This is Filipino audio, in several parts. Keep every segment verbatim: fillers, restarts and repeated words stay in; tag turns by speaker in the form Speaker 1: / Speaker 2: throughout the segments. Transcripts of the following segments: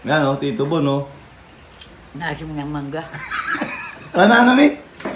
Speaker 1: Yan o, Tito Bon o.
Speaker 2: Naasim ng mangga.
Speaker 1: Ano, ano, Mi?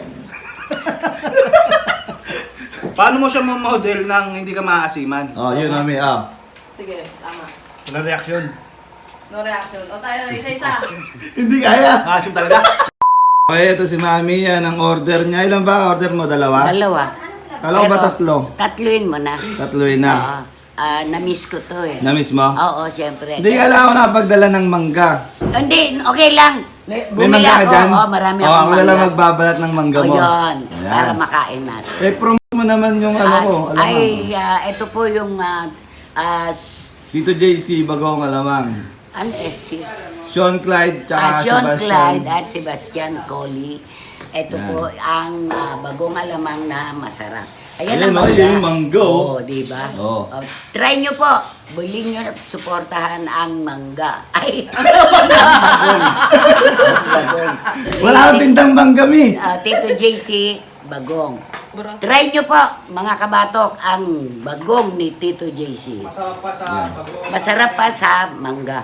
Speaker 3: Paano mo siya model nang hindi ka maaasiman?
Speaker 1: Oh, yun o, Mi, ah.
Speaker 4: Sige, tama.
Speaker 3: Walang reaksyon.
Speaker 4: No reaction. O tayo, isa-isa.
Speaker 1: Hindi kaya.
Speaker 3: Maasim talaga.
Speaker 1: Okay, ito si Mami, yan ang order niya. Ilan ba order mo? Dalawa?
Speaker 2: Dalawa.
Speaker 1: Kala ko ba
Speaker 2: Pero,
Speaker 1: tatlo?
Speaker 2: Tatluin mo na.
Speaker 1: Tatluin na.
Speaker 2: Oo. Ah, na-miss ko to eh.
Speaker 1: Na-miss mo?
Speaker 2: Oo, siyempre.
Speaker 1: Hindi kala ko napagdala ng mangga.
Speaker 2: Hindi, okay lang. May,
Speaker 1: May
Speaker 2: bumili
Speaker 1: mangga ka
Speaker 2: ako.
Speaker 1: dyan?
Speaker 2: Oo, marami
Speaker 1: oh,
Speaker 2: akong
Speaker 1: ako na lang
Speaker 2: mangga.
Speaker 1: magbabalat ng mangga
Speaker 2: O
Speaker 1: mo.
Speaker 2: yun,
Speaker 1: Ayan.
Speaker 2: para makain natin.
Speaker 1: Eh, promote mo naman yung ano ko.
Speaker 2: Ah,
Speaker 1: Alamang.
Speaker 2: ay, ah, ito po yung ah, ah, s-
Speaker 1: Tito J C, Bagong Alamang.
Speaker 2: ano eh, si
Speaker 1: Sean Clyde, tsaka
Speaker 2: ah, Sean
Speaker 1: Sebastian.
Speaker 2: Clyde at Sebastian Collie. Ito
Speaker 1: Yan.
Speaker 2: po ang ah, bagong alamang na masarap.
Speaker 1: Ayan,
Speaker 2: ang
Speaker 1: oh,
Speaker 2: mangga.
Speaker 1: yun yung mangga, oh.
Speaker 2: Oo, di ba?
Speaker 1: Oo.
Speaker 2: Oh, try nyo po. Bilhin nyo, suportahan ang mangga. Ay, ang bagong. Ang bagong.
Speaker 1: Wala akong tindang mangga, Mi.
Speaker 2: Ah, Tito J C, bagong. Try nyo po, mga kabatok, ang bagong ni Tito J C.
Speaker 3: Masarap pa sa bago.
Speaker 2: Masarap pa sa mangga.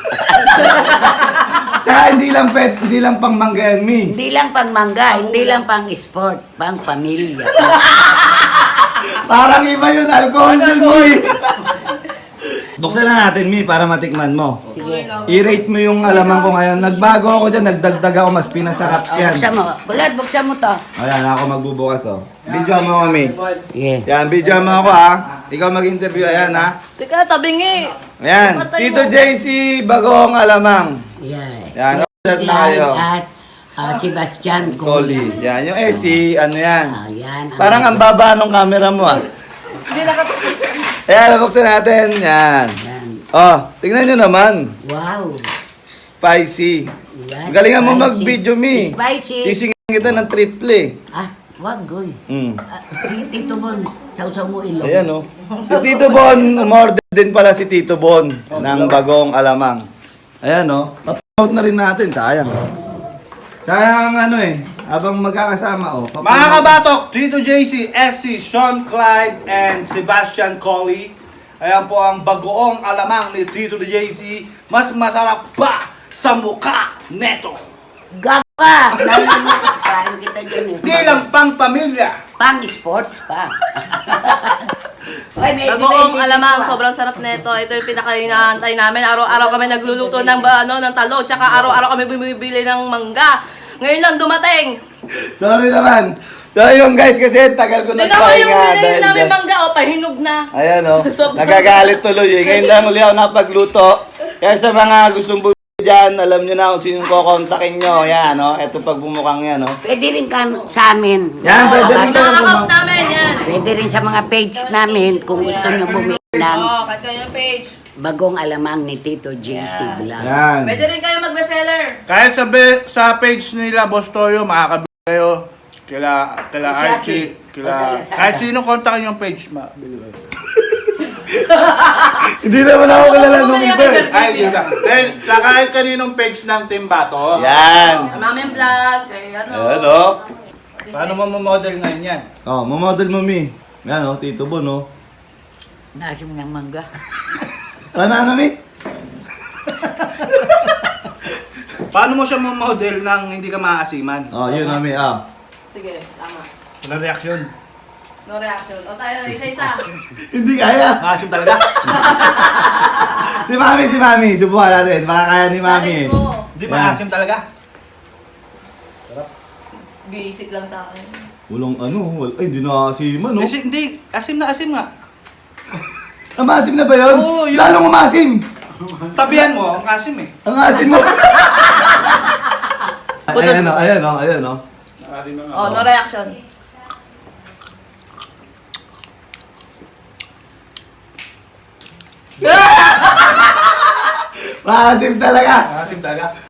Speaker 1: Tsaka hindi lang pet, hindi lang pang mangga yan, Mi.
Speaker 2: Hindi lang pang mangga, hindi lang pang sport, pang pamilya.
Speaker 1: Parang iba yun, alcohol yun, Mi. Buksan na natin, Mi, para matikman mo.
Speaker 2: Sige.
Speaker 1: I-rate mo yung alaman ko ngayon. Nagbago ako dyan, nagdagdag ako, mas pinasarap
Speaker 2: Oh,
Speaker 1: yan.
Speaker 2: buksan mo. Kulad, buksan mo to.
Speaker 1: Ayan, ako magbubukas, oh. Video mo ako, Mi.
Speaker 2: Yeah.
Speaker 1: Yan, video mo ako, ha. Ikaw mag-interview, ayan, ha.
Speaker 4: Teka, tabingi.
Speaker 1: Ayan, Tito J C, Bagong Alamang.
Speaker 2: Yes.
Speaker 1: Yan, order na kayo.
Speaker 2: At ah, Sebastian
Speaker 1: Collie. Yan, yung S C, ano yan.
Speaker 2: Ah, yan.
Speaker 1: Parang ang baba ng camera mo, ah.
Speaker 4: Hindi naka...
Speaker 1: Ayan, buksan natin. Yan.
Speaker 2: Yan.
Speaker 1: Oh, tingnan nyo naman.
Speaker 2: Wow.
Speaker 1: Spicy.
Speaker 2: Yan.
Speaker 1: Galingan mo
Speaker 2: Spicy.
Speaker 1: mag-video, Mi.
Speaker 2: Spicy.
Speaker 1: Sisingin kita ng triple.
Speaker 2: Ah, wag, goy.
Speaker 1: Mm.
Speaker 2: Ah, si Tito Bon, sausaw mo ilong.
Speaker 1: Ayan, oh. Si Tito Bon, umorder din pala si Tito Bon ng Bagong Alamang. Ayan, oh. Pa-promote na rin natin. Sayang. Sayang ano eh. Habang magkakasama, oh.
Speaker 3: Mga
Speaker 1: pa-promote.
Speaker 3: kabatok, Tito J C, S C, Sean Clyde, and Sebastian Collie. Ayan po ang bagoong alamang ni Tito J C. Mas masarap pa sa mukha neto.
Speaker 2: Gapa! Nalalaman kita dyan eh.
Speaker 3: Di lang pang pamilya.
Speaker 2: Pang sports pa. Ay, may
Speaker 4: Bagoong
Speaker 2: may-
Speaker 4: alamang,
Speaker 2: may-
Speaker 4: sobrang sarap nito. Ito yung pinakainaantay namin. Araw-araw kami nagluluto ng ba, ano, ng talong, tsaka araw-araw kami bumibili ng mangga. Ngayon lang dumating.
Speaker 1: Sorry naman. So yun guys, kasi tagal ko
Speaker 4: Hindi naman yung
Speaker 1: nagpahinga
Speaker 4: binili
Speaker 1: dahil
Speaker 4: namin
Speaker 1: dyan.
Speaker 4: mangga, o, pahinog na.
Speaker 1: Ayan oh,
Speaker 4: Sobrang-
Speaker 1: nagagalit tuloy eh. Ngayon lang uli ako napagluto. Kaya sa mga gustong bumili dyan, alam nyo na kung sinong kukontakin nyo. Yan oh, eto pag bumukang yan oh.
Speaker 2: Pwede rin ka sa amin.
Speaker 1: Yan, pwede rin kayo
Speaker 4: Pinaka-account
Speaker 1: bumang.
Speaker 4: namin, yan.
Speaker 2: Pwede rin sa mga page namin kung gusto nyo bumili ng
Speaker 4: Oo, kahit kayo yung page.
Speaker 2: bagong alamang ni Tito J C Vlog.
Speaker 1: Yan.
Speaker 4: Pwede rin kayo mag-reseller.
Speaker 3: Kahit sa, be- sa page nila, Boss Toyo, makakabili kayo. Kila, kila
Speaker 2: Sa
Speaker 3: Archie,
Speaker 2: Shopee.
Speaker 3: kila...
Speaker 2: O sa Lazada.
Speaker 3: Kahit sino kontakin yung page, mabili kayo.
Speaker 1: Hindi naman ako kilala nung
Speaker 4: Bumili
Speaker 1: iba
Speaker 4: ako,
Speaker 1: eh.
Speaker 4: sir.
Speaker 3: Ay, di ba? Dahil sa kahit kaninong page ng Team Bato.
Speaker 1: Yan.
Speaker 4: Namin vlog, kay ano.
Speaker 1: Ayan oh.
Speaker 3: Paano mo model ngayon yan?
Speaker 1: Oh, mamodel mo, Mi. Yan oh, Tito Bon oh.
Speaker 2: Naasim ng mangga.
Speaker 1: Ano, ano, Mi?
Speaker 3: Paano mo siya model nang hindi ka maaasiman?
Speaker 1: Oh, yun oh, Mi, ah.
Speaker 4: Sige, tama.
Speaker 3: Walang reaksyon.
Speaker 4: No reaction. O tayo, isa-isa.
Speaker 1: Hindi kaya.
Speaker 3: Maasim talaga.
Speaker 1: Si Mami, si Mami. Subukan natin. Baka kaya ni Mami eh.
Speaker 4: Challenge mo.
Speaker 3: Di ba maasim talaga?
Speaker 4: Basic lang sa akin.
Speaker 1: Walang ano, wal ay, hindi na asiman, no?
Speaker 3: Kasi hindi, asim na asim nga.
Speaker 1: Ah, maasim na ba yun?
Speaker 3: Oo, yun.
Speaker 1: Lalong umasim!
Speaker 3: Tabihan mo, ang asim eh.
Speaker 1: Ang asim mo! ayan o, ayan o, ayan o.
Speaker 3: Asim na nga.
Speaker 4: Oh, no reaction.
Speaker 1: Maasim talaga!
Speaker 3: Asim talaga.